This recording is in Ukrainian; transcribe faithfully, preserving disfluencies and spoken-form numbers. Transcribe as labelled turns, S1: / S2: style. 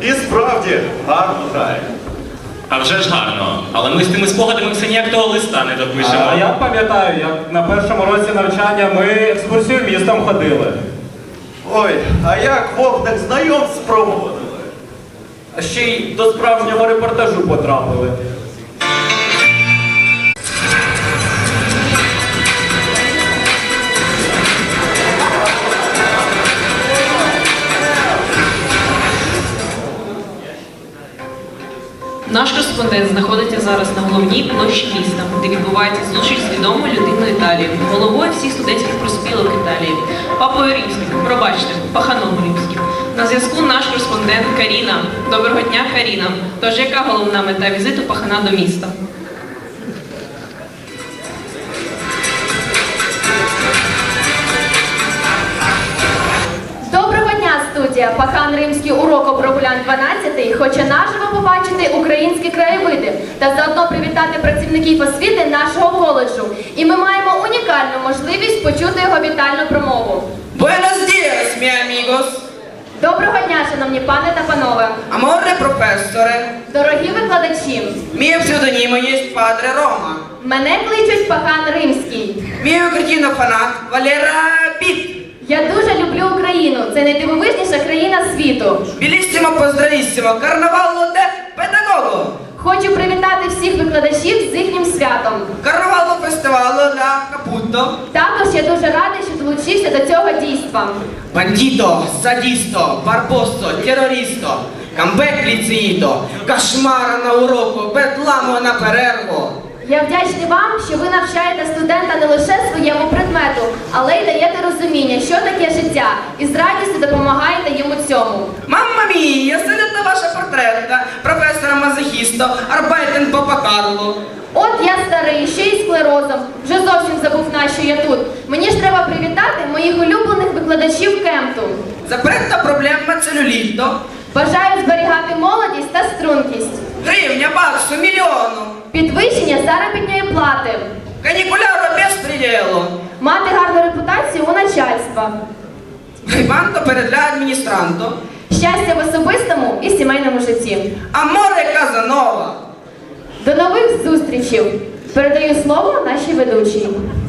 S1: І справді гарно грає.
S2: А вже ж гарно. Але ми з тими спогадами все ніяк того листа не допишемо.
S3: А я пам'ятаю, як на першому році навчання ми екскурсію містом ходили.
S1: Ой, а як вогник знайомств проводили?
S3: А ще й до справжнього репортажу потрапили.
S4: Наш кореспондент знаходиться зараз на головній площі міста, де відбувається зустріч з відомою людиною Італії, головою всіх студентських профспілок Італії, папою римським, пробачте, паханом римським. На зв'язку наш кореспондент Каріна. Доброго дня, Каріна. Тож, яка головна мета візиту пахана до міста?
S5: Доброго дня, студія! Пахан Римський урок Прогулян дванадцятий хоче наживо побачити українські краєвиди та заодно привітати працівників освіти нашого коледжу. І ми маємо унікальну можливість почути його вітальну промову.
S6: Buenos dias, miei amigos.
S5: Доброго дня, шановні пане та панове!
S6: Amore professore.
S5: Дорогі викладачі!
S6: Mio pseudonimo jest Padre Roma.
S5: Мене кличуть Пахан Римський.
S6: Mio cretino fanat Valera Pitt.
S5: Я дуже люблю Україну. Це найдивовижніша країна світу.
S6: Bellissimo pozdravissimo Carnavallo de Pedagogo.
S5: Хочу привітати всіх викладачів з їхнім святом.
S6: Carnavallo Festivallo da Caputo.
S5: Також я дуже радий, що долучився до цього дійства.
S6: Bandito, sadisto, barbosso, terroristo. Камбек ліцеїто, кошмара на уроку, бедламо на перерву.
S5: Я вдячний вам, що ви навчаєте студента не лише своєму предмету, але й даєте розуміння, що таке життя, і з радістю допомагаєте йому цьому.
S6: Мамма мія, сидите ваша портретка, професора Мазохісто, Арбайтен Папа Карло.
S5: От я старий, ще й склерозом, вже зовсім забув, на що я тут. Мені ж треба привітати моїх улюблених викладачів Кемту.
S6: Запретта проблема целюліто.
S5: Бажаю зберігати молодість та стрункість.
S6: Гривня, баксу, мільйону.
S5: Підвищення заробітної плати.
S6: Канікуляру без приділу.
S5: Мати гарну репутацію у начальства.
S6: Грибанто перед ля адміністранто.
S5: Щастя в особистому і сімейному житті.
S6: Аморе Казанова.
S5: До нових зустрічей! Передаю слово нашій ведучій.